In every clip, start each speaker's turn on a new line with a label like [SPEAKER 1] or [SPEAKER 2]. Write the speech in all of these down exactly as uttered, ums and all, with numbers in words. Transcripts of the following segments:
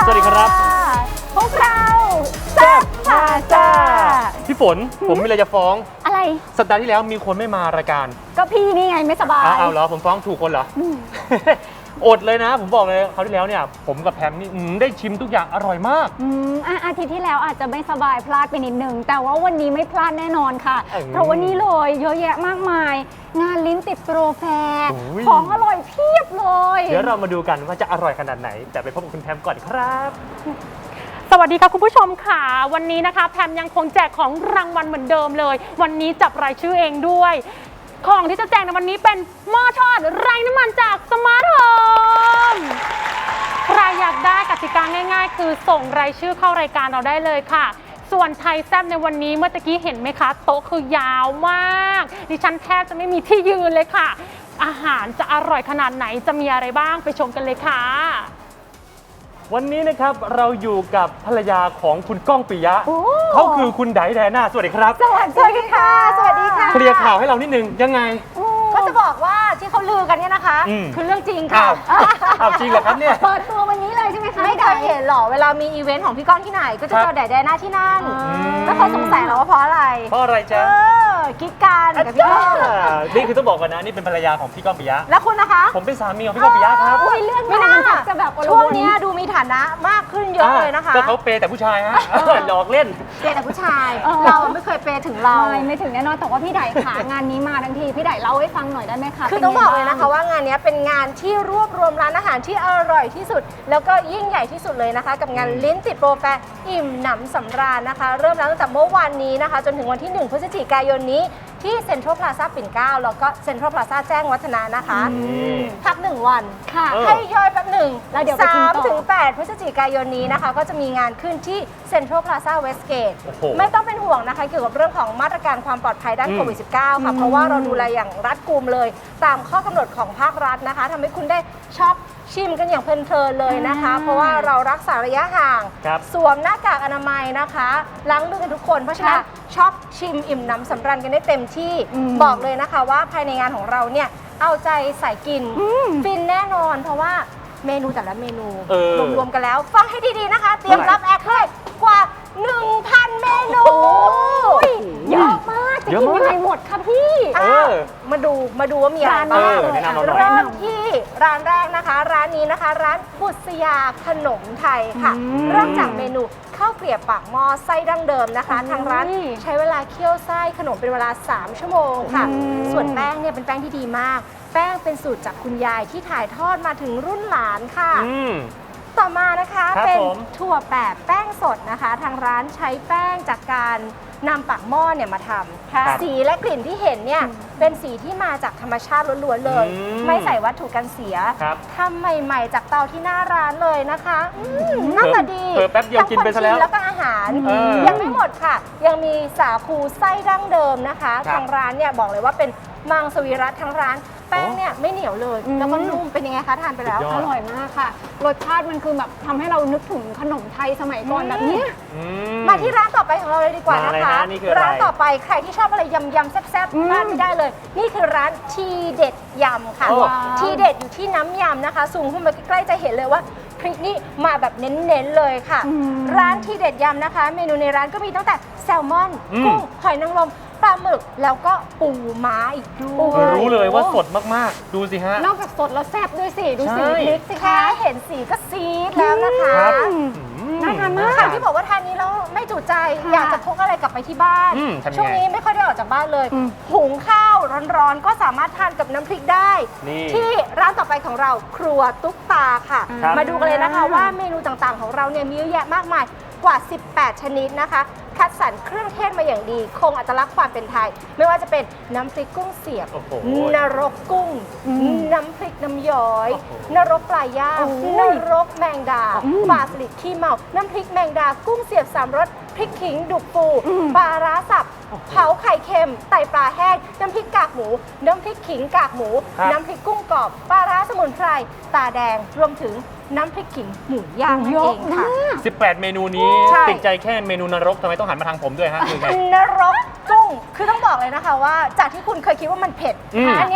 [SPEAKER 1] สวัสดีครับ
[SPEAKER 2] พวกเราแซ่บพาซ่า
[SPEAKER 1] พี่ฝนผมมีอะไรจะฟ้อง
[SPEAKER 2] อะไร
[SPEAKER 1] สัปดาห์ที่แล้วมีคนไม่มารายการ
[SPEAKER 2] ก็พี่นี่ไงไม่สบาย
[SPEAKER 1] อ้าวเหรอผมฟ้องถูกคนเหรออดเลยนะผมบอกเลยคราวที่แล้วเนี่ยผมกับแพมนี่ได้ชิมทุกอย่างอร่อยมาก
[SPEAKER 2] อืมอาทิตย์ที่แล้วอาจจะไม่สบายพลาดไปนิดนึงแต่ว่าวันนี้ไม่พลาดแน่นอนค่ะเพราะวันนี้เลยเยอะแยะมากมายงานลิ้นติดโปรแฟร์ของอร่อยเพียบเลย
[SPEAKER 1] เดี๋ยวเรามาดูกันว่าจะอร่อยขนาดไหนแต่ไปพบกับคุณแพมก่อนครับ
[SPEAKER 3] สวัสดีค่ะคุณผู้ชมค่ะวันนี้นะคะแพมยังคงแจกของรางวัลเหมือนเดิมเลยวันนี้จับรายชื่อเองด้วยของที่จะแจกในวันนี้เป็นหม้อทอดไร้น้ำมันจากสมาร์ทโฮมใครอยากได้กติกาง่ายๆคือส่งรายชื่อเข้ารายการเราได้เลยค่ะส่วนไทยแซ่บในวันนี้เมื่อตะกี้เห็นไหมคะโต๊ะคือยาวมากดิฉันแทบจะไม่มีที่ยืนเลยค่ะอาหารจะอร่อยขนาดไหนจะมีอะไรบ้างไปชมกันเลยค่ะ
[SPEAKER 1] วันนี้นะครับเราอยู่กับภรรยาของคุณก้องปิยะเขาคือคุณไดแดน่าสวัสดีครับ
[SPEAKER 2] สวัสดีค่ะสวัสดีค่ะ
[SPEAKER 1] เคลียร์ข่าวให้เรานิดนึงยังไง
[SPEAKER 2] ก็จะบอกว่าที่เขาลือกันเนี่ยนะคะคือเรื่องจริงค่ะ
[SPEAKER 1] อ้าวจริงเหรอครับเนี่ย
[SPEAKER 2] เปิดตัววันนี้เลยใช่ไหมคะ
[SPEAKER 4] ไม่เคยเห็นหรอเวลามีอีเวนต์ของพี่ก้องที่ไหนก็จะเจอไดแดน่าที่นั่นแล้วเขาสงสัยเราว่าเพราะอะไร
[SPEAKER 1] เพราะอะไรจ๊ะ
[SPEAKER 4] กิ๊กกันกับพี่ก้อง
[SPEAKER 1] นี่คือต้องบอกกันนะนี่เป็นภรรยาของพี่ก้องปิยะ
[SPEAKER 4] แล้วคุณนะคะ
[SPEAKER 1] ผมเป็นสามีของพี่ก้องปิยะครับ
[SPEAKER 2] เรื่องไม่น่าจะแบบ
[SPEAKER 4] ช่วงนี้ดูมีฐานะมากขึ้นเยอะเลยนะคะ
[SPEAKER 1] ก็เขาเปย์แต่ผู้ชายฮะหลอกเล่น
[SPEAKER 4] เปย์แต่ผู้ชายเราไม่เคยเปย์ถึงเรา
[SPEAKER 2] ไม่ไม่ถึงแน่นอนแต่ว่าพี่ไดค่ะงานนี้มาทั้งทีพี่ไดเล่าให้ฟังหน่อยได้ไหมคะ
[SPEAKER 4] คือต้องบอกเลยนะคะว่างานนี้เป็นงานที่รวบรวมร้านอาหารที่อร่อยที่สุดแล้วก็ยิ่งใหญ่ที่สุดเลยนะคะกับงานลิ้นติดโปรแฟร์อิ่มหนำสำราญนะคะเริ่มแล้วตั้งแต่เมื่อวานนี้นะคะจนถึงวันที่หนึ่งพฤศจิกายนนี้ที่เซ็นทรัลพลาซ่าปิ่นเกล้าแล้วก็เซ็นทรัลพลาซ่าแจ้งวัฒนะนะคะพักหนึ่งวันให้ย่อยแป๊บหนึ่ง
[SPEAKER 2] แล้วเดี๋ยว
[SPEAKER 4] สามถึงแปดพฤศจิกายนนี้นะคะก็จะมีงานขึ้นที่เซ็นทรัลพลาซ่าเวสเกตไม่ต้องเป็นห่วงนะคะเกี่ยวกับเรื่องของมาตรการความปลอดภัยด้านโควิด สิบเก้า ค่ะเพราะว่าเราดูแลอย่างรัดกุมเลยตามข้อกำหนดของภาครัฐนะคะทำให้คุณได้ช็อปชิมกันอย่างเพลินๆเลยนะคะเพราะว่าเรารักษาระยะห่างสวมหน้ากากอนามัยนะคะล้างมือกันทุกคนเพราะฉะนั้นช็อปชิมอิ่มหนำสำราญกันได้เต็มที่บอกเลยนะคะว่าภายในงานของเราเนี่ยเอาใจใส่กินฟินแน่นอนเพราะว่าเมนูแต่ละเมนูรวมๆกันแล้วฟังให้ดีๆนะคะเตรียมรับแอคเลยกว่า หนึ่งพัน เมนู
[SPEAKER 2] เยอะมากจะกินยังไงหมดคะพี่
[SPEAKER 4] มาดูมาดูว่ามีอะไรบ้างเริ่มที่ร้านแรกนะคะร้านนี้นะคะร้านบุษยาขนมไทยค่ะเริ่มจากเมนูข้าวเกลียบปากหม้อไส้ดั้งเดิมนะคะทางร้านใช้เวลาเคี่ยวไส้ขนมเป็นเวลาสามชั่วโมงค่ะส่วนแป้งเนี่ยเป็นแป้งที่ดีมากแป้งเป็นสูตรจากคุณยายที่ถ่ายทอดมาถึงรุ่นหลานค่ะต่อมานะคะเป็นถั่วแปบแป้งสดนะคะทางร้านใช้แป้งจากการนำปากหม้อเนี่ยมาทำสีและกลิ่นที่เห็นเนี่ยเป็นสีที่มาจากธรรมชาติล้วนๆเลยไม่ใส่วัตถุกันเสียทำใหม่ๆจากเตาที่หน้าร้านเลยนะคะหน้าตาดี
[SPEAKER 1] แป๊บเดียวกินไปซะแล้ว
[SPEAKER 4] แล้วก็อาหารยังไม่หมดค่ะยังมีสาคูไส้ดั้งเดิมนะคะทางร้านเนี่ยบอกเลยว่าเป็นมังสวิรัติทั้งร้านแป้งเนี่ยไม่เหนียวเลยแล้วก็นุ่มเป็นยังไงคะทานไปแล้ว
[SPEAKER 2] อร่อยมากค่ะรสชาติมันคือแบบทำให้เรานึกถึงขนมไทยสมัยก่อนแบบนี้
[SPEAKER 4] มาที่ร้านต่อไปของเราเลยดีกว่านะคะร้านต่อไปใครที่ชอบอะไรยำยำแซ่บๆพลาดไม่ได้เลยนี่คือร้านทีเด็ดยำค่ะทีเด็ดอยู่ที่น้ำยำนะคะซูมขึ้นมาใกล้ๆจะเห็นเลยว่าพริกนี่มาแบบเน้นๆเลยค่ะร้านทีเด็ดยำนะคะเมนูในร้านก็มีตั้งแต่แซลมอนกุ้งหอยนางรมปลาหมึกแล้วก็ปูม้าอีกด้วย
[SPEAKER 1] รู้เลยว่าสดมากๆดูสิฮะ
[SPEAKER 2] นอกจากสดแล้วแซ่บด้วยสิดูสิพริกสิ
[SPEAKER 4] แค่เห็นสีก็ซีดแล้วนะคะ
[SPEAKER 2] น่าทานมาก
[SPEAKER 4] ค่ะที่บอกว่าทานนี้แล้วไม่จุใจอยากจะพกอะไรกลับไปที่บ้านช่วงนี้ไม่ค่อยได้ออกจากบ้านเลยหุงข้าวร้อนๆก็สามารถทานกับน้ำพริกได้ที่ร้านต่อไปของเราครัวตุ๊กตาค่ะมาดูกันเลยนะคะว่าเมนูต่างๆของเราเนี่ยมีเยอะแยะมากมายกว่าสิบแปดชนิดนะคะคัดสรรเครื่องเทศมาอย่างดีคงอัตลักษณ์ความเป็นไทยไม่ว่าจะเป็นน้ำพริกกุ้งเสียบนรกกุ้งน้ำพริกน้ำย้อยนรกปลาย่างนรกแมงดาปลาสลิดขี้เมาน้ำพริกแมงดากุ้งเสียบสามรสพริกขิงดุกปูปลาร้าสับเผาไข่เค็มไตปลาแห้งน้ำพริกกากหมูน้ำพริกขิงกากหมูน้ำพริกกุ้งกรอบปลาร้าสมุนไพรตาแดงรวมถึงน้ำพริกขิงหมูย่างนั่นเองค่ะ
[SPEAKER 1] สิบแปดเมนูนี้ติดใจแค่เมนูนรกทำไมต้องหันมาทางผมด้วยฮะ
[SPEAKER 4] นรกกุ้งคือต้องบอกเลยนะคะว่าจากที่คุณเคยคิดว่ามันเผ็ดอันเนี้ยพ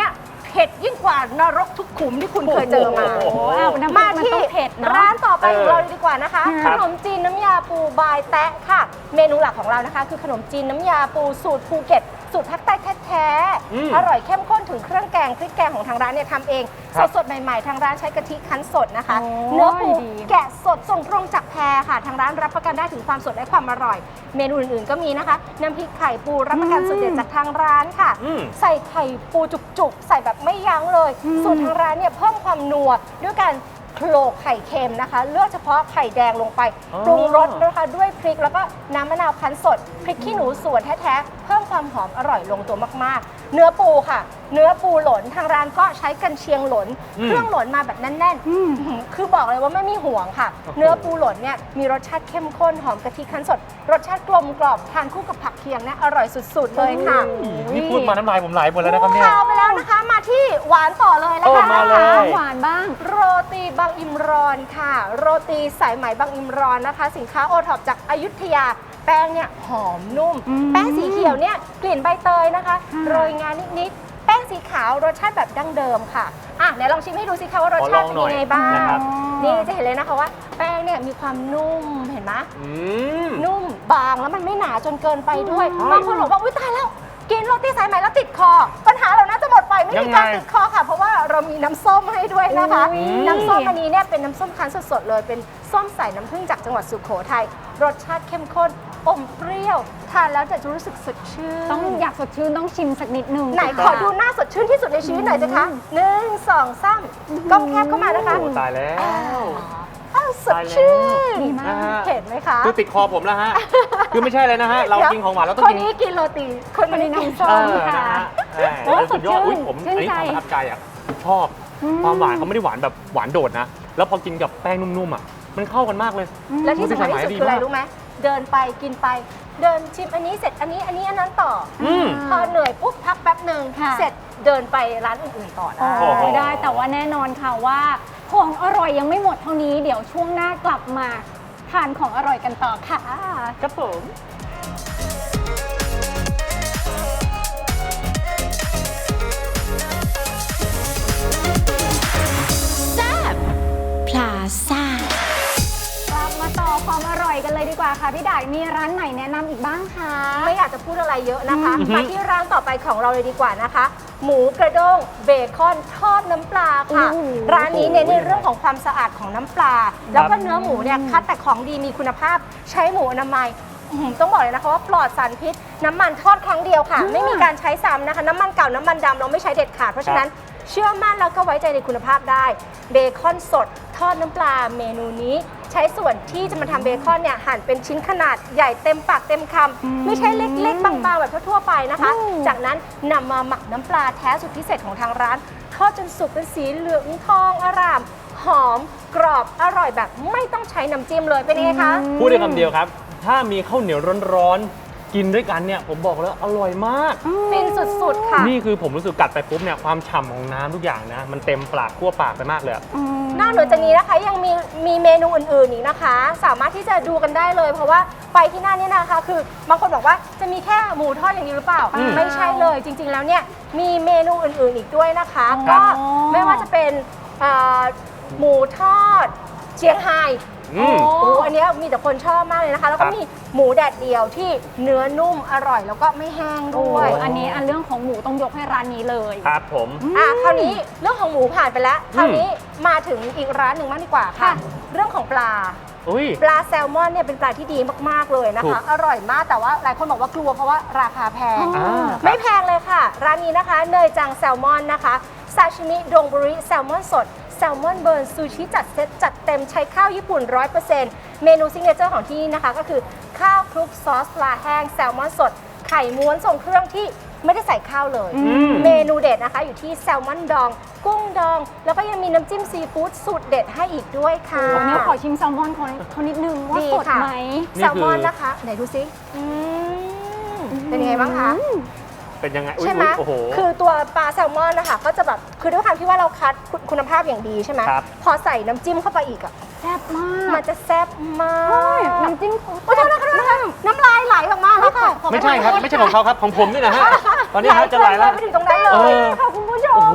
[SPEAKER 4] เผ็ดยิ่งกว่านรกทุกขุมที่คุณเคยเจอมา
[SPEAKER 1] โอ้โห
[SPEAKER 2] อ้าวน้ำพริ
[SPEAKER 4] มาก
[SPEAKER 2] มัน
[SPEAKER 4] ที่
[SPEAKER 2] ต้องเผ็ดเนาะ
[SPEAKER 4] ร้านต่อไปของเรา
[SPEAKER 1] เออ
[SPEAKER 4] เลยดีกว่านะคะ
[SPEAKER 1] ครั
[SPEAKER 4] ข
[SPEAKER 1] บ
[SPEAKER 4] นมจีนน้ำยาปูบายแตะค่ะ เมนูหลักของเรานะคะ คือขนมจีนน้ำยาปูสูตรภูเก็ตสูตรภาคใต้แท้
[SPEAKER 1] อืม
[SPEAKER 4] ๆอร่อยเข้มข้นถึงเครื่องแกงพริกแกงของทางร้านเนี่ยทำเอง
[SPEAKER 1] ครับ
[SPEAKER 4] สดๆใหม่ๆทางร้านใช้กะทิคั้นสดนะคะ
[SPEAKER 2] โอ้ย
[SPEAKER 4] เนื้อปู
[SPEAKER 2] ดี
[SPEAKER 4] แกะสดส่งตรงจากแพค่ะ ทางร้านรับประกันได้ถึงความสดและความอร่อย เมนูอื่นๆก็มีนะคะน้ำพริกไข่ปูรับประกันสูตรเด็ดจากทางร้านค่ะ
[SPEAKER 1] อืม
[SPEAKER 4] ใส่ไข่ปูจุกๆ ใส่แบบไม่ยั้งเลย
[SPEAKER 2] อืม
[SPEAKER 4] สูตรทางร้านเนี่ยเพิ่มความนัวด้วยการโขลกไข่เค็มนะคะ เลือกเฉพาะไข่แดงลงไป
[SPEAKER 1] อ๋อ
[SPEAKER 4] ปรุงรสนะคะด้วยพริกแล้วก็น้ำมะนาวคั้นสด พริกขี้หนูสวนแท้ๆ เพิ่มความหอมอร่อยลงตัวมากๆ เนื้อปูค่ะ เนื้อปูหล่นทางร้านก็ใช้กันเชียงหล่น
[SPEAKER 1] อืม
[SPEAKER 4] เครื่องหล่นมาแบบแน่น
[SPEAKER 2] อืม
[SPEAKER 4] ๆ คือบอกเลยว่าไม่มีห่วงค่ะ
[SPEAKER 1] โอ้โห
[SPEAKER 4] เนื้อปูหล่นเนี่ยมีรสชาติเข้มข้นหอมกะทิคั้นสด รสชาติกลมกล่อมทานคู่กับผักเคียงเนี่ยอร่อยสุดๆเลยค่ะ
[SPEAKER 1] นี่พูดมาน้ำลายผมไหลหมดแล้วนะครับเนี่ย
[SPEAKER 4] ข่าวไปแล้วนะคะ มาที่หวานต่อเลยนะ
[SPEAKER 1] โอ้
[SPEAKER 4] คะ
[SPEAKER 1] มาเลย
[SPEAKER 2] หวานบ้าง
[SPEAKER 4] โรตีบางอิมรอนค่ะ โรตีสายไหมบางอิมรอนนะคะ สินค้าโอท็อปจากอยุธยา แป้งเนี่ยหอมนุ่ม
[SPEAKER 2] อืม
[SPEAKER 4] แป้งสีเขียวเนี่ยกลิ่นใบเตยนะคะ
[SPEAKER 2] ค่ะ
[SPEAKER 4] โรยงานนิดๆแป้งสีขาวรสชาติแบบดั้งเดิมค่ะอ่ะไหนลองชิมให้ดูสิคะว่ารสชาติเป็นยังไงบ้า
[SPEAKER 1] ขอลองหน่อยนะครับ
[SPEAKER 4] นี่จะเห็นเลยนะคะว่า แป้งเนี่ยมีความนุ่มเห็นไหม
[SPEAKER 1] อืม
[SPEAKER 4] นุ่มบางแล้วมันไม่หนาจนเกินไปด้วย
[SPEAKER 1] อืม
[SPEAKER 4] บางคนบอกว่า อุ้ยตายแล้ว กินโรตีสายไหมแล้วติดคอ ปัญหาเราน่าจะหมดไปไม่
[SPEAKER 1] ยั
[SPEAKER 4] มี
[SPEAKER 1] งไง
[SPEAKER 4] การติดคอค่ะ เพราะว่าเรามีน้ำส้มให้ด้วยนะคะ
[SPEAKER 2] อุ๊ย
[SPEAKER 4] น้ำส้มอันนี้เนี่ยเป็นน้ำส้มคั้นสดๆเลย เป็นส้มสายน้ำผึ้งจากจังหวัดสุโขทัย รสชาติเข้มข้น อมเปรี้ยว ทานแล้วจะรู้สึกสดชื่น
[SPEAKER 2] ต้องอยากสดชื่นต้องชิมสักนิดนึง
[SPEAKER 4] ไหนขอดูหน้าสดชื่นที่สุดในชีวิตหน่อยสิคะหนึ่งสองสามกล้องแคบเข้ามานะคะ
[SPEAKER 1] โอ้ตายแล้ว
[SPEAKER 4] อ้าวสดชื่น
[SPEAKER 2] ดีมาก
[SPEAKER 1] นะฮะ
[SPEAKER 4] เห็นไหมคะ
[SPEAKER 1] คือติดคอผมแล้วฮะ คือไม่ใช่เลยนะฮะ เรากินของหวานเราต้อง
[SPEAKER 4] คน
[SPEAKER 1] กิน
[SPEAKER 4] นี้กินโรตี คนนี้กินส้
[SPEAKER 1] เอ
[SPEAKER 4] ม
[SPEAKER 1] อ
[SPEAKER 4] ค่ะ
[SPEAKER 1] นะฮะเออ
[SPEAKER 2] โอ้
[SPEAKER 1] สุดยอด
[SPEAKER 2] สดชื่น
[SPEAKER 1] อุ้ยผม
[SPEAKER 2] ชื่น
[SPEAKER 1] อันนี้
[SPEAKER 2] ใจ
[SPEAKER 1] ความประทับใจอ่ะชอบ
[SPEAKER 2] อืม
[SPEAKER 1] ความหวานเขาไม่ได้หวานแบบหวานโดดนะ แล้วพอกินกับแป้งนุ่มๆอ่ะ มันเข้ากันมากเลย
[SPEAKER 4] และที่สำคัญที่สุด
[SPEAKER 1] ดี
[SPEAKER 4] คืออะไร
[SPEAKER 1] มาก
[SPEAKER 4] รู้ไหมเดินไปกินไป เดินชิมอันนี้เสร็จอันนี้อันนี้อันนั้นต่ออ
[SPEAKER 1] อืม
[SPEAKER 4] พอเหนื่อยปุ๊บพักแป๊บหนึ่ง
[SPEAKER 2] ค่ะ
[SPEAKER 4] เสร็จเดินไปร้านอื่นๆต่อได้
[SPEAKER 1] โอ้โห
[SPEAKER 2] ได้แต่ว่าแน่นอนค่ะว่าของอร่อยยังไม่หมดเท่านี้ เดี๋ยวช่วงหน้ากลับมาทานของอร่อยกันต่อค่ะ
[SPEAKER 1] ครับผม
[SPEAKER 5] พลาซ่า
[SPEAKER 2] กลับมาต่อความอร่อยกันเลยดีกว่าค่ะพี่ดายมีร้านไหนแนะนำอีกบ้างคะ
[SPEAKER 4] ไม่อยากจะพูดอะไรเยอะนะคะ
[SPEAKER 1] อือฮึ
[SPEAKER 4] มาที่ร้านต่อไปของเราเลยดีกว่านะคะ หมูกระด้งเบคอนทอดน้ำปลาค่ะ
[SPEAKER 2] โอ้โห
[SPEAKER 4] ร้านนี้เน้นในเรื่องของความสะอาดของน้ำปลา แล้วก็เนื้อหมูเนี่ยคัดแต่ของดีมีคุณภาพใช้หมูอนามัยอื้อหือต้องบอกเลยนะคะว่าปลอดสารพิษ น้ำมันทอดครั้งเดียวค่ะ ไม่มีการใช้ซ้ำนะคะ น้ำมันเก่าน้ำมันดำเราไม่ใช้เด็ดขาดเพราะฉะนั้นเชื่อมั่นแล้วก็ไว้ใจในคุณภาพได้เบคอนสดทอดน้ำปลาเมนูนี้ ใช้ส่วนที่จะมาทำเบคอนเนี่ยหั่นเป็นชิ้นขนาดใหญ่เต็มปากเต็มคำไม่ใช่เล็กๆ บางๆ แบบทั่วๆไปนะคะ
[SPEAKER 2] อืม
[SPEAKER 4] จากนั้นนำมาหมักน้ำปลาแท้สุดพิเศษของทางร้าน ทอดจนสุกเป็นสีเหลืองทองอร่าม หอมกรอบอร่อยแบบไม่ต้องใช้น้ำจิ้มเลยเป็นยังไงคะ
[SPEAKER 1] พูดได้คำเดียวครับ ถ้ามีข้าวเหนียวร้อนๆ กินด้วยกันเนี่ย ผมบอกแล้วอร่อยมาก
[SPEAKER 4] ฟินสุดๆค่ะ
[SPEAKER 1] นี่คือผมรู้สึกกัดไปปุ๊บเนี่ย ความฉ่ำของน้ำทุกอย่างนะ มันเต็มปากทั่วปากไปมากเลยอะ
[SPEAKER 4] นอกเหนือจากนี้นะคะยังมีมีเมนูอื่นๆอีกนะคะ สามารถที่จะดูกันได้เลย เพราะว่าไปที่นั่นเนี่ยนะคะ คือบางคนบอกว่าจะมีแค่หมูทอดอย่างนี้หรือเปล่า
[SPEAKER 1] อืม
[SPEAKER 4] ไม่ใช่เลยจริง ๆ แล้วเนี่ยมีเมนูอื่นๆอีกด้วยนะคะ
[SPEAKER 2] ครั
[SPEAKER 4] ก็
[SPEAKER 2] บ
[SPEAKER 4] ไม่ว่าจะเป็นเอ่อหมูทอดเชียงไฮ้
[SPEAKER 1] อืม
[SPEAKER 4] โอ้โหอันเนี้ยมีแต่คนชอบมากเลยนะคะ แล้ว
[SPEAKER 1] ค
[SPEAKER 4] ก็
[SPEAKER 1] รับ
[SPEAKER 4] มีหมูแดดเดียวที่เนื้อนุ่มอร่อยแล้วก็ไม่แห้ง
[SPEAKER 2] โอ้
[SPEAKER 4] ด้วย
[SPEAKER 2] อันนี้อันเรื่องของหมูต้องยกให้ร้านนี้เลย
[SPEAKER 1] ครับผม
[SPEAKER 4] อ่ะคราวนี้เรื่องของหมูผ่านไปแล้ว คราวนี้มาถึงอีกร้านหนึ่งบ้างดีกว่าค่ะ
[SPEAKER 2] ค่ะ
[SPEAKER 4] เรื่องของปลา
[SPEAKER 1] อุ้ย
[SPEAKER 4] ปลาแซลมอนเนี่ยเป็นปลาที่ดีมากๆเลยนะ
[SPEAKER 1] ถู
[SPEAKER 4] คะ
[SPEAKER 1] ก
[SPEAKER 4] อร่อยมากแต่ว่าหลายคนบอกว่ากลัวเพราะว่าราคาแพง
[SPEAKER 2] อ๋อ
[SPEAKER 1] อ่า
[SPEAKER 4] ไม่แพงเลยค่ะ ร้านนี้นะคะเนยจังแซลมอนนะคะซาชิมิดงบุริแซลมอนสดแซลมอนเบิร์นซูชิจัดเซตจัดเต็มใช้ข้าวญี่ปุ่น ร้อยเปอร์เซ็นต์ เมนูซิกเนเจอร์ของที่นี่นะคะ ก็คือข้าวคลุกซอสปลาแห้งแซลมอนสด ไข่ม้วนทรงเครื่องที่ไม่ได้ใส่ข้าวเลย
[SPEAKER 1] อืม
[SPEAKER 4] เมนูเด็ดนะคะอยู่ที่แซลมอนดอง กุ้งดอง แล้วก็ยังมีน้ำจิ้มซีฟู้ดสูตรเด็ดให้อีกด้วยค่ะ
[SPEAKER 2] วันนี้ขอชิมแซลมอนเขาเขานิดนึงว่า
[SPEAKER 4] ดี
[SPEAKER 2] สด
[SPEAKER 4] ค่ะ
[SPEAKER 2] ไหม
[SPEAKER 1] นี่
[SPEAKER 4] แซลมอน
[SPEAKER 1] คือ
[SPEAKER 4] นะคะ ไหนดูซิอืมเป็นยังไงบ้างคะ
[SPEAKER 1] เป็นยังไง อุ้ย
[SPEAKER 4] ใช่ไหม
[SPEAKER 1] อุ๊ยโอ้โห
[SPEAKER 4] คือตัวปลาแซลมอนนะคะก็จะแบบคือด้วยความที่ว่าเราคัดคุณคุณภาพอย่างดีใช่ไหม
[SPEAKER 1] ครับ
[SPEAKER 4] พอใส่น้ำจิ้มเข้าไปอีกอ่ะ
[SPEAKER 2] แซ่บมาก
[SPEAKER 4] มันจะแซ่บมาก
[SPEAKER 2] ใช่น้ำจิ้มเขา
[SPEAKER 4] โอ้โทษนะคะโทษนะคะน้ำลายไหลออกมาแล้วค่ะ
[SPEAKER 1] ไม่ใช่ครับ ไม่ใช่ของเขาครับ ของผมนี่นะฮะ ตอนนี้ฮะจะไหลแล้ว
[SPEAKER 4] ไปถึงตรงนั้นเล
[SPEAKER 1] เอย อ
[SPEAKER 2] ค่ะคุณผู้ช
[SPEAKER 1] โอ้
[SPEAKER 2] ม
[SPEAKER 1] โห
[SPEAKER 2] อร่อย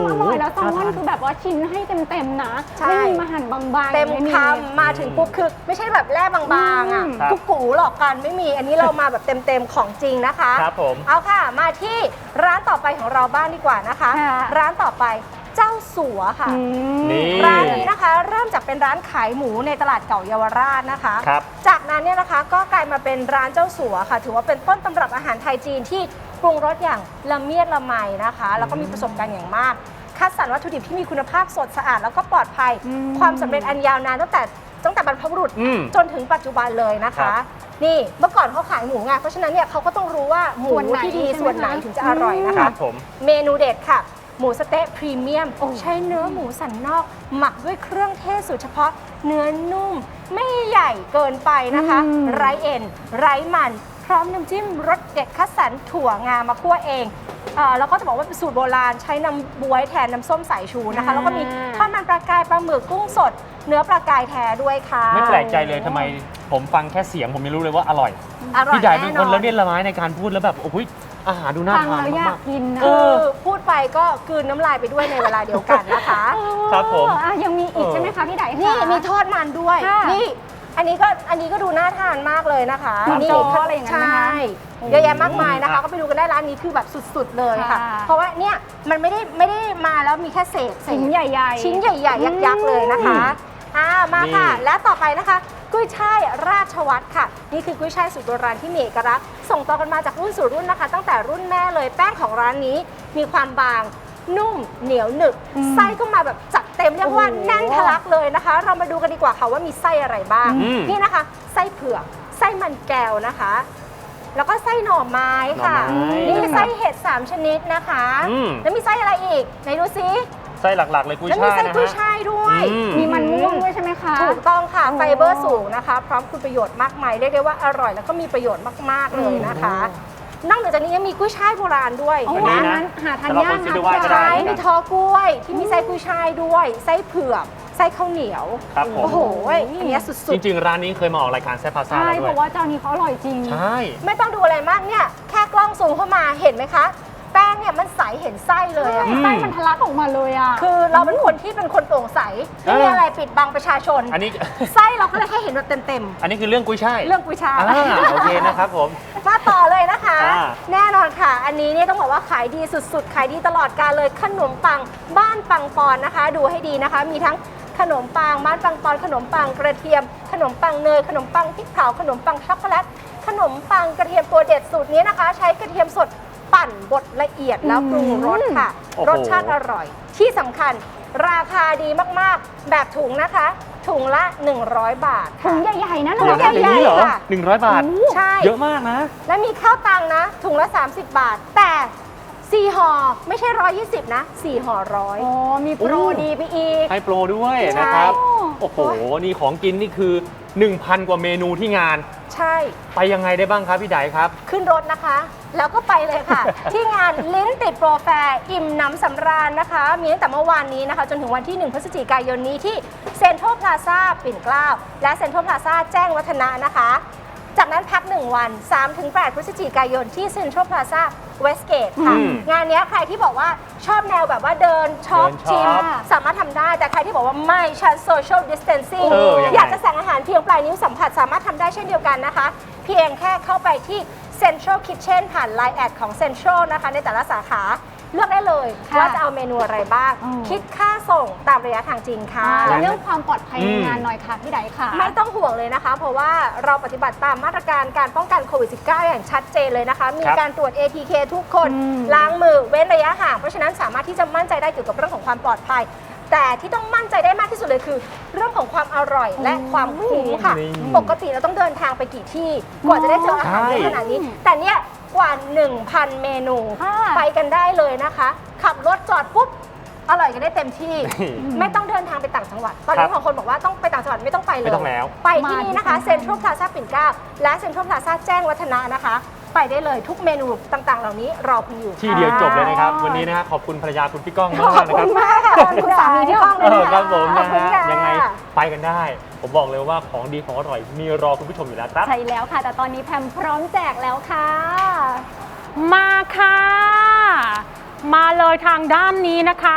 [SPEAKER 2] แล้วแซลมอนคือแบบว่าชิ้นให้เต็มๆนะ
[SPEAKER 4] ใช่
[SPEAKER 2] ไม่มีมาหั่นบางๆ
[SPEAKER 4] เต็ม
[SPEAKER 2] ไ
[SPEAKER 4] คำมาถึงปุ๊บคือไม่ใช่แบบแร่บางๆอ่ะ
[SPEAKER 2] อืม
[SPEAKER 1] ครับ
[SPEAKER 4] กุ๊กกูหลอกกันไม่มีอันนี้เรามาแบบเต็มๆของจริงนะคะ
[SPEAKER 1] ครับผม
[SPEAKER 4] เอาค่ะมาที่ร้านต่อไปของเราบ้างดีกว่านะคะ
[SPEAKER 2] ค่ะ
[SPEAKER 4] ร้านต่อไปเจ้าสัวค่ะ
[SPEAKER 2] อืม
[SPEAKER 1] นี่
[SPEAKER 4] ร้านนี้นะคะเริ่มจากเป็นร้านขายหมูในตลาดเก่าเยาวราชนะคะ
[SPEAKER 1] ครับ
[SPEAKER 4] จากนั้นเนี่ยนะคะก็กลายมาเป็นร้านเจ้าสัวค่ะ ถือว่าเป็นต้นตำรับอาหารไทยจีนที่ปรุงรสอย่างละเมียดละไมนะคะ แล้วก็มีประสบการณ์อย่างมาก คัดสรรวัตถุดิบที่มีคุณภาพสดสะอาดแล้วก็ปลอดภัย
[SPEAKER 2] อืม
[SPEAKER 4] ความสำเร็จอันยาวนานตั้งแต่ตั้งแต่บรรพบุรุษ
[SPEAKER 1] อืม
[SPEAKER 4] จนถึงปัจจุบันเลยนะ
[SPEAKER 1] ครั
[SPEAKER 4] คะ
[SPEAKER 1] บ
[SPEAKER 4] นี่เมื่อก่อนเขาขายหมูไงเพราะฉะนั้นเนี่ยเขาก็ต้องรู้ว่าหมู
[SPEAKER 2] ส่วนไหน
[SPEAKER 4] ที่ดี
[SPEAKER 2] ใช่ไหม
[SPEAKER 4] ส่วนไหน
[SPEAKER 2] คะ
[SPEAKER 4] ถึงจะอร่อยนะ
[SPEAKER 1] ครั
[SPEAKER 4] คะ
[SPEAKER 1] บผม
[SPEAKER 4] เมนูเด็ดค่ะ หมูสะเต๊ะพรีเมียมใช้เนื้อหมูสันนอก หมักด้วยเครื่องเทศสูตรเฉพาะ เนื้อนุ่ม ไม่ใหญ่เกินไปนะคะ
[SPEAKER 2] อืม
[SPEAKER 4] ไร้เอ็น ไร้มัน พร้อมน้ำจิ้มรสเด็ดคัดสรรถั่วงามาคั่วเองเอ่อแล้วก็จะบอกว่าเป็นสูตรโบราณใช้น้ำบ๊วยแทนน้ำส้มสายชูนะคะ แล้วก็มีทอดมันปลากายปลาหมึกกุ้งสด เนื้อปลากายแท้ด้วยค่ะ
[SPEAKER 1] ไม่แปลกใจเลยทำไมผมฟังแค่เสียงผมยังรู้เลยว่าอร่อย
[SPEAKER 4] อร่อย
[SPEAKER 1] พี่ใหญ่เป็น
[SPEAKER 4] แน่
[SPEAKER 1] คน
[SPEAKER 4] นอน
[SPEAKER 1] ละเมียดละไม้ในการพูดแล้วแบบโอ้ยอาหารดูน่า
[SPEAKER 2] ฟัง
[SPEAKER 1] ทาน
[SPEAKER 2] แล้วอยาม
[SPEAKER 1] าก ก
[SPEAKER 2] กินนะ
[SPEAKER 1] เอ
[SPEAKER 4] คือ
[SPEAKER 1] อ
[SPEAKER 4] พูดไปก็กลืนน้ำลายไปด้วยในเวลาเดียวกันนะคะ
[SPEAKER 1] ครับผม
[SPEAKER 2] อ่ะยังมีอีก
[SPEAKER 1] เออ
[SPEAKER 2] ใช่ไหมคะพี่ได
[SPEAKER 4] นี่
[SPEAKER 2] คะ
[SPEAKER 4] มีทอดมันด้วย
[SPEAKER 2] ค่ะ
[SPEAKER 4] นี่ อันนี้ก็อันนี้ก็ดูน่าทานมากเลยนะคะ
[SPEAKER 2] น้ำ
[SPEAKER 4] นี่
[SPEAKER 2] โจ๊กอะไรอย่างนั้นไหมคะ
[SPEAKER 4] ใช่เยอะแยะมากมายนะคะ ก็ไปดูกันได้ร้านนี้คือแบบสุดๆเลยค่ะ
[SPEAKER 2] ค่ะ
[SPEAKER 4] เพราะว่าเนี่ยมันไม่ได้ไม่ได้มาแล้วมีแค่เศษเศษ
[SPEAKER 2] ชิ้นใหญ่ๆ
[SPEAKER 4] ชิ้นใหญ่ๆ ยักษ์ๆเลยนะคะอ่ามาค่ะ
[SPEAKER 1] นี่
[SPEAKER 4] และต่อไปนะคะกุ้ยช่ายราชวัตรค่ะ นี่คือกุ้ยช่ายสูตรโบราณที่มีเอกลักษณ์ส่งต่อกันมาจากรุ่นสู่รุ่นนะคะ ตั้งแต่รุ่นแม่เลยแป้งของร้านนี้มีความบางนุ่มเหนียวหนึบ
[SPEAKER 2] อืม
[SPEAKER 4] ไส้ก็มาแบบจัดเต็มเรียกว่า
[SPEAKER 2] โอ้โห
[SPEAKER 4] แน่นทะลักเลยนะคะ เรามาดูกันดีกว่าค่ะว่ามีไส้อะไรบ้าง
[SPEAKER 1] อืม
[SPEAKER 4] นี่นะคะ ไส้เผือกไส้มันแก้วนะคะ แล้วก็ไส้หน่อไม้ค่ะ
[SPEAKER 1] หน่อไม้
[SPEAKER 4] นี่ไส้เห็ดสามชนิดนะคะ
[SPEAKER 1] อืม
[SPEAKER 4] แล้วมีไส้อะไรอีกไหนดูซิ
[SPEAKER 1] ไส้หลักๆเลยกุ้ย
[SPEAKER 4] แล้วมี
[SPEAKER 1] ช่าย
[SPEAKER 4] ไส้
[SPEAKER 1] นะ
[SPEAKER 4] กุ้ย
[SPEAKER 1] ฮะ
[SPEAKER 4] ช่ายด้วย
[SPEAKER 1] อืม
[SPEAKER 2] มีมันม่วงด้วยใช่ไหมคะ
[SPEAKER 4] ถูกต้องค่ะ
[SPEAKER 2] โอ้
[SPEAKER 4] ไฟเบอร์สูงนะคะ พร้อมคุณประโยชน์มากมายเรียกได้ว่าอร่อยแล้วก็มีประโยชน์มาก ๆ เลยนะคะ นอกจากนี้ยังมีกุ้ยช่ายโบราณด้วย
[SPEAKER 2] โอ้
[SPEAKER 1] อัน
[SPEAKER 2] โห
[SPEAKER 1] นี้
[SPEAKER 2] อัน
[SPEAKER 1] นะ
[SPEAKER 2] นั้นหาทาน
[SPEAKER 1] แต่เรา
[SPEAKER 2] ยาก
[SPEAKER 1] คนซื้อ
[SPEAKER 2] นะ
[SPEAKER 1] ไปไหว้ก็ได้
[SPEAKER 4] ใช่
[SPEAKER 2] พี่
[SPEAKER 4] มี
[SPEAKER 2] ได
[SPEAKER 4] ทอกล้วยที่มีไส้กุ้ยช่ายด้วย ไส้เผือกไส้ข้าวเหนียว
[SPEAKER 1] ครับผม
[SPEAKER 4] โอ้โหอันเนี้ยสุ
[SPEAKER 1] จ
[SPEAKER 4] ด
[SPEAKER 1] ริง ๆ ร้านนี้เคยมาออกรายการแซ่บพาซ่า
[SPEAKER 2] ใช่
[SPEAKER 1] แล้ว
[SPEAKER 2] เพ
[SPEAKER 1] ด้วย
[SPEAKER 2] ราะว่าเจ้านี้เขาอร่อยจริง
[SPEAKER 1] ใช่
[SPEAKER 4] ๆ ไม่ต้องดูอะไรมากเนี่ยแค่กล้องซูมเข้ามาเห็นไหมคะ แป้งเนี่ยมันใสเห็นไส้เลยอะ
[SPEAKER 1] อืม
[SPEAKER 2] ไส้มันทะลักออกมาเลยอ่ะ
[SPEAKER 4] คือเราเป็นคนที่เป็นคนโปร่งใสไม่มีอะไรปิดบังประชาชน
[SPEAKER 1] อันนี้
[SPEAKER 4] ไส้เราก็เลยให้เห็นแบบเต็ม
[SPEAKER 1] อันนี้คือเรื่องกุ้ยช่าย
[SPEAKER 4] ๆเรื่องกุ้ยช่าย
[SPEAKER 1] อ่าโอเคนะครับผม
[SPEAKER 4] มาต่อเลยนะคะ
[SPEAKER 1] อ่า
[SPEAKER 4] แน่นอนค่ะ อันนี้เนี่ยต้องบอกว่าขายดีสุดๆ ขายดีตลอดกาลเลยขนมปังบ้านปังปอนนะคะ ดูให้ดีนะคะ มีทั้งขนมปังบ้านปังปอนขนมปังกระเทียม ขนมปังเนยขนมปังพริกเผาขนมปังช็อกโกแลตขนมปังกระเทียมตัวเด็ดสูตรนี้นะคะ ใช้กระเทียมสดปั่นบดละเอียดแล้วปรุงรสค่ะ
[SPEAKER 1] โอ้โห
[SPEAKER 4] รสชาติอร่อย ที่สำคัญราคาดีมากๆ แบบถุงนะคะ ถุงละ หนึ่งร้อย บาท
[SPEAKER 2] ถุ
[SPEAKER 4] ค่ะ
[SPEAKER 2] งใหญ่ๆนะ
[SPEAKER 4] ถุ
[SPEAKER 2] น้อง ง
[SPEAKER 4] ใหญ่
[SPEAKER 1] อย่างนี้เหรอ
[SPEAKER 4] ค่ะ
[SPEAKER 1] หนึ่งร้อยบาท
[SPEAKER 4] ใช่
[SPEAKER 1] เยอะมากนะ
[SPEAKER 4] และมีข้าวตังนะ ถุงละ สามสิบ บาท แต่สี่ห่อไม่ใช่ หนึ่งร้อยยี่สิบ นะสี่ห่อร้อย
[SPEAKER 2] อ๋อมีโปร
[SPEAKER 1] โอ้
[SPEAKER 2] ดีไปอีก
[SPEAKER 1] ให้โปรด้วย
[SPEAKER 4] ใช่
[SPEAKER 1] นะครับ โอ้โห นี่ของกินนี่คือ หนึ่งพัน กว่าเมนูที่งาน
[SPEAKER 4] ใช่
[SPEAKER 1] ไปยังไงได้บ้างครับพี่ไดครับ
[SPEAKER 4] ขึ้นรถนะคะ แล้วก็ไปเลยค่ะ ที่งานลิ้นติดโปรแฟร์อิ่มหน้ำสำราญนะคะ มีตั้งแต่เมื่อวานนี้นะคะ จนถึงวันที่ หนึ่ง พฤศจิกายนนี้ที่เซ็นทรัลพลาซ่าปิ่นเกล้าและเซ็นทรัลพลาซ่าแจ้งวัฒนะนะคะ จากนั้นพักหนึ่งวัน สามถึงแปด พฤศจิกายนที่เซ็นทรัลพลาซ่าเวสเกตค่ะ
[SPEAKER 1] อืม
[SPEAKER 4] งานเนี้ยใครที่บอกว่าชอบแนวแบบว่าเดินช็อป
[SPEAKER 1] เดินช็อป
[SPEAKER 4] ชิมสามารถทำได้ แต่ใครที่บอกว่าไม่ฉันโซเชียลดิสเทนซิ่ง
[SPEAKER 1] เออยังไง
[SPEAKER 4] อยากจะสั่งอาหารเพียงปลายนิ้วสัมผัสสามารถทำได้เช่นเดียวกันนะคะ เพียงแค่เข้าไปที่ Central Kitchen ผ่าน ไลน์ แอดของ Central นะคะในแต่ละสาขาเลือกได้เลย
[SPEAKER 2] ค่ะ
[SPEAKER 4] ว่าจะเอาเมนูอะไรบ้าง
[SPEAKER 2] อืม
[SPEAKER 4] คิดค่าส่งตามระยะทางจริงค่ะ
[SPEAKER 2] อ่าแล้วเรื่องความปลอดภัยใน
[SPEAKER 1] อืม
[SPEAKER 2] งานหน่อยค่ะพี่ไดค่ะ
[SPEAKER 4] ไม่ต้องห่วงเลยนะคะ เพราะว่าเราปฏิบัติตามมาตรการการป้องกันโควิด สิบเก้า อย่างชัดเจนเลยนะคะ มี
[SPEAKER 1] ครับ
[SPEAKER 4] การตรวจ เอ ที เค ทุกคน
[SPEAKER 2] อืม
[SPEAKER 4] ล้างมือเว้นระยะห่าง เพราะฉะนั้นสามารถที่จะมั่นใจได้เกี่ยวกับเรื่องของความปลอดภัย แต่ที่ต้องมั่นใจได้มากที่สุดเลยคือ เรื่องของความอร่อยและความคุ้มค่ะ
[SPEAKER 1] นี่
[SPEAKER 4] ปกติเราต้องเดินทางไปกี่ที่กว่าจะได้เจออาหารเยอะขนาดนี้ แต่เนี่ยกว่า หนึ่งพัน เมนู
[SPEAKER 2] ค่ะ
[SPEAKER 4] ไปกันได้เลยนะคะ ขับรถจอดปุ๊บอร่อยกันได้เต็มที่
[SPEAKER 1] นี่
[SPEAKER 4] ไม่ต้องเดินทางไปต่างจังหวัด ตอนนี้
[SPEAKER 1] ครับ
[SPEAKER 4] บางคนบอกว่าต้องไปต่างจังหวัดไม่ต้องไปเลย
[SPEAKER 1] ไม่ต้องแล้ว
[SPEAKER 4] ไปที่นี่นะคะ
[SPEAKER 2] มาที่
[SPEAKER 4] เซ็นทรัลพลาซ่าปิ่นเกล้าและเซ็นทรัลพลาซ่าแจ้งวัฒนะนะคะ ไปได้เลยทุกเมนูต่างๆ เหล่านี้รอคุณอยู่
[SPEAKER 1] ที่เดียวจบเลยนะครับ วันนี้นะฮะขอบคุณภรรยาคุณพี่ก้องมาก
[SPEAKER 4] ขอบ
[SPEAKER 1] นะ
[SPEAKER 4] คุ
[SPEAKER 1] ครับ
[SPEAKER 4] ณมากค่ะขอบคุณสามีที่ห้องเล
[SPEAKER 1] เอย อ
[SPEAKER 4] นะะ
[SPEAKER 1] ครับผม
[SPEAKER 4] ขอ
[SPEAKER 1] นะ
[SPEAKER 4] บคุณ
[SPEAKER 1] ฮะ
[SPEAKER 4] ค่ะ
[SPEAKER 1] ยังไงไปกันได้ ผมบอกเลยว่าของดีของอร่อยมีรอคุณผู้ชมอยู่แล้วครับ
[SPEAKER 2] ใช่แล้วค่ะ แต่ตอนนี้แพมพร้อมแจกแล้วค่ะ
[SPEAKER 3] มาค่ะ มาเลยทางด้านนี้นะคะ เ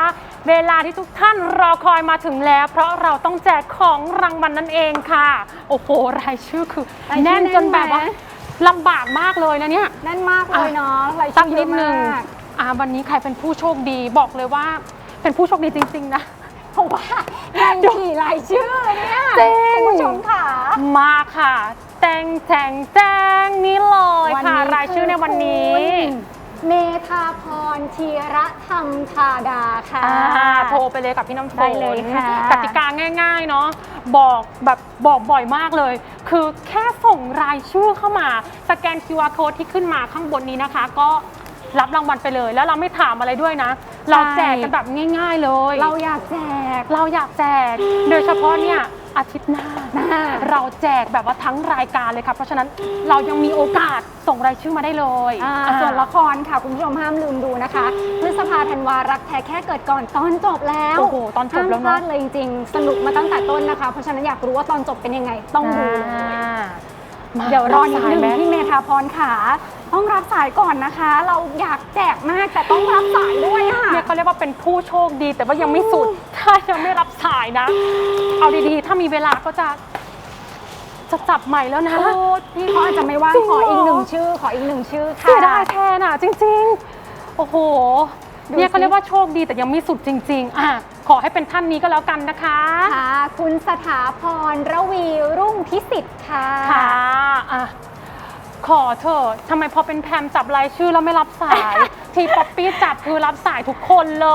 [SPEAKER 3] เวลาที่ทุกท่านรอคอยมาถึงแล้ว เพราะเราต้องแจกของรางวัลนั่นเองค่ะ โอ้โหรายชื่อคือ
[SPEAKER 2] รายชื่อ
[SPEAKER 3] แน่นจนแบบว่า
[SPEAKER 2] แน่นไหม
[SPEAKER 3] ลำบากมากเลยนะเนี่ย
[SPEAKER 2] แน่นมากเลยเนาะราย
[SPEAKER 3] ตั้
[SPEAKER 2] ชื่
[SPEAKER 3] ง
[SPEAKER 2] อเย
[SPEAKER 3] นิ
[SPEAKER 2] อะ
[SPEAKER 3] ดนึง
[SPEAKER 2] มาก
[SPEAKER 3] อ่าวันนี้ใครเป็นผู้โชคดีบอกเลยว่าเป็นผู้โชคดีจริงๆนะ
[SPEAKER 2] เพราะว่าในกี่รายชื่อเนี่ย
[SPEAKER 3] จริง
[SPEAKER 2] คุณผู้ชมค่ะ
[SPEAKER 3] มาค่ะ แจงแจงแจงนี่เลยค่ะ
[SPEAKER 2] วันนี้
[SPEAKER 3] รายชื่อในวันนี้
[SPEAKER 2] คุณเมธาพรธีระธรรมธาดาค่ะ
[SPEAKER 3] อ่าโทรไปเลยกับพี่น้ำฝน
[SPEAKER 2] ได้เลยค่ะ
[SPEAKER 3] กติกาง่ายๆเนาะบอกแบบบอกบ่อยมากเลย คือแค่ส่งรายชื่อเข้ามาสแกน คิว อาร์ code ที่ขึ้นมาข้างบนนี้นะคะ ก็รับรางวัลไปเลย แล้วเราไม่ถามอะไรด้วยนะ เราแจกกันแบบง่ายๆเลย
[SPEAKER 2] เราอยากแจก
[SPEAKER 3] เราอยากแจก โดยเฉพาะเนี่ยอาทิตย์หน้า เราแจกแบบว่าทั้งรายการเลยค่ะ เพราะฉะนั้นเรายังมีโอกาสส่งรายชื่อมาได้เลย
[SPEAKER 2] อ่า
[SPEAKER 3] อ่า
[SPEAKER 2] ส่วนละครค่ะ คุณผู้ชมห้ามลืมดูนะคะพฤษภาธันวารักแท้แค่เกิดก่อนตอนจบแล้ว
[SPEAKER 3] โอ้โหตอนจบแล้ว
[SPEAKER 2] ห้ามพลา
[SPEAKER 3] เนาะ
[SPEAKER 2] ดเลยจริงๆ สนุกมาตั้งแต่ต้นนะคะ เพราะฉะนั้นอยากรู้ว่าตอนจบเป็นยังไงต้องดูเลย
[SPEAKER 3] อ่ามา
[SPEAKER 2] เดี๋ยวรอนิดนึง
[SPEAKER 3] สายไหม
[SPEAKER 2] พี่เมธาพรค่ะ ต้องรับสายก่อนนะคะ เราอยากแจกมากแต่ต้องรับสายด้วยค่ะ
[SPEAKER 3] เนี่ยเขาเรียกว่าเป็นผู้โชคดีแต่ว่ายังไม่สุด ถ้ายังไม่รับสายนะ เอาดีๆ ถ้ามีเวลาก็จะจะจับใหม่แล้วนะ
[SPEAKER 2] โอ้พี่เขาอาจจะไม่ว่าง
[SPEAKER 3] จริง
[SPEAKER 2] ขออีก
[SPEAKER 3] เหรอ
[SPEAKER 2] หนึ่งชื่อ ขออีกหนึ่งชื่อค่ะ
[SPEAKER 3] เสียดายแทนอ่ะจริงๆ โอ้โห
[SPEAKER 2] ดู
[SPEAKER 3] เนี่ย
[SPEAKER 2] สิ
[SPEAKER 3] เขาเรียกว่าโชคดีแต่ยังไม่สุดจริง ๆ อ่ะขอให้เป็นท่านนี้ก็แล้วกันนะคะ
[SPEAKER 2] ค่ะ คุณสถาพรระวีรุ่งพิสิทธิ์ค่ะ
[SPEAKER 3] ค่ะอ่ะ ขอเถอะทำไมพอเป็นแพมจับรายชื่อแล้วไม่รับสาย ทีป๊อปปี้จับคือรับสายทุกคนเลย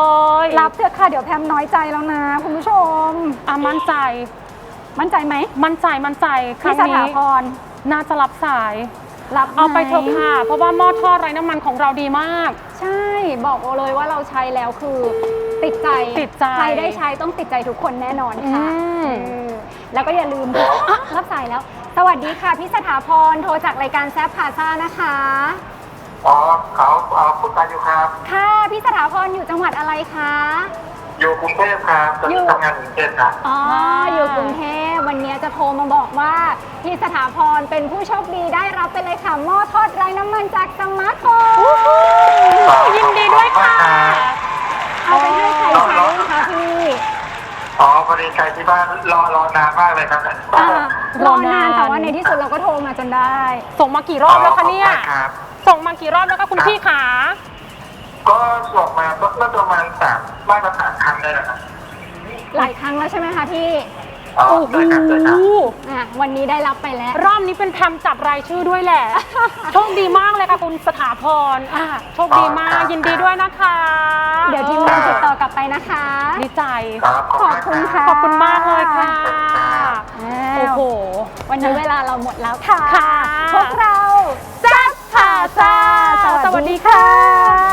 [SPEAKER 2] รับเถอะค่ะ เดี๋ยวแพมน้อยใจแล้วนะ คุณผู้ชม
[SPEAKER 3] อ่ะมั่นใจ
[SPEAKER 2] มั่นใจไหม
[SPEAKER 3] มั่นใจมั่นใจครั้
[SPEAKER 2] พี่
[SPEAKER 3] ง
[SPEAKER 2] ส
[SPEAKER 3] นี้
[SPEAKER 2] ถาพร
[SPEAKER 3] น่าจะรับสาย
[SPEAKER 2] รับ
[SPEAKER 3] เอาไป
[SPEAKER 2] หม
[SPEAKER 3] เถอะค่ะ เพราะว่าหม้อทอดไร้น้ำมันของเราดีมาก
[SPEAKER 2] ใช่ บอกเลยว่าเราใช้แล้วคือติดใจ
[SPEAKER 3] ติดใจ
[SPEAKER 2] ใครได้ใช้ต้องติดใจทุกคนแน่นอนค่ะ
[SPEAKER 3] อืม
[SPEAKER 2] เออแล้วก็อย่าลืมอ่ะรับสายแล้ว สวัสดีค่ะพี่สถาพรโทรจากรายการแซฟพาซ่านะคะ
[SPEAKER 6] อ๋อเขาเอ่อพูดกันอยู่ครับ
[SPEAKER 2] ค่ะพี่สถาพรอยู่จังหวัดอะไรคะ
[SPEAKER 6] อยู่กรุงเทพครับตอน
[SPEAKER 2] อยู่
[SPEAKER 6] นี้ทำงานอยู่กรุงเทพครับ
[SPEAKER 2] อ๋ออยู่กรุงเทพวันนี้จะโทรมาบอกว่าพี่สถาพรเป็นผู้โชคดีได้รับไปเลยค่ะหม้อทอดไร้น้ำมันจากสมาร์ทโฟน
[SPEAKER 3] ยินดีด้วยค่ะ
[SPEAKER 2] เอาไปให้ใครใช้คะพี่
[SPEAKER 6] อ๋อพอดีใครที่บ้านรอรอนานมากเลยครับ
[SPEAKER 2] อ่ารอนานแต่ว่าในที่สุดเราก็โทรมาจนได้
[SPEAKER 3] ส่งมากี่รอบแล้วคะเนี่ย
[SPEAKER 6] ขอบณครับ
[SPEAKER 3] ส่งมากี่รอบแล้วคะคุณพี่ขา
[SPEAKER 6] ก็ส่งมาเมื่อประมาณสามมาตรฐานครั้งได้แล้วครับ
[SPEAKER 2] หลายครั้งแล้วใช่ไหมคะพี่
[SPEAKER 6] อ๋อ
[SPEAKER 3] โอ้โห
[SPEAKER 6] ได้ครับได้ครับ
[SPEAKER 2] อ่ะวันนี้ได้รับไปแล้ว
[SPEAKER 3] รอบนี้เป็นแพมจับรายชื่อด้วยแหละ โชคดีมากเลยค่ะคุณสถาพรอ่ะโชคดีมากยินดีด้วยนะคะ
[SPEAKER 2] เดี๋ยวทีมงานติดต่อกลับไปนะคะ
[SPEAKER 3] ดีใจ
[SPEAKER 6] ครับ
[SPEAKER 2] ขอบคุณค่ะ
[SPEAKER 3] ขอบคุณมากเลยค่ะ โอ้โห
[SPEAKER 2] วันนี้เวลาเราหมดแล้วค่ะ
[SPEAKER 3] ค่ะ
[SPEAKER 2] พวกเรา
[SPEAKER 3] แซ่บผ่าซ่า
[SPEAKER 2] สวัสดีค่ะ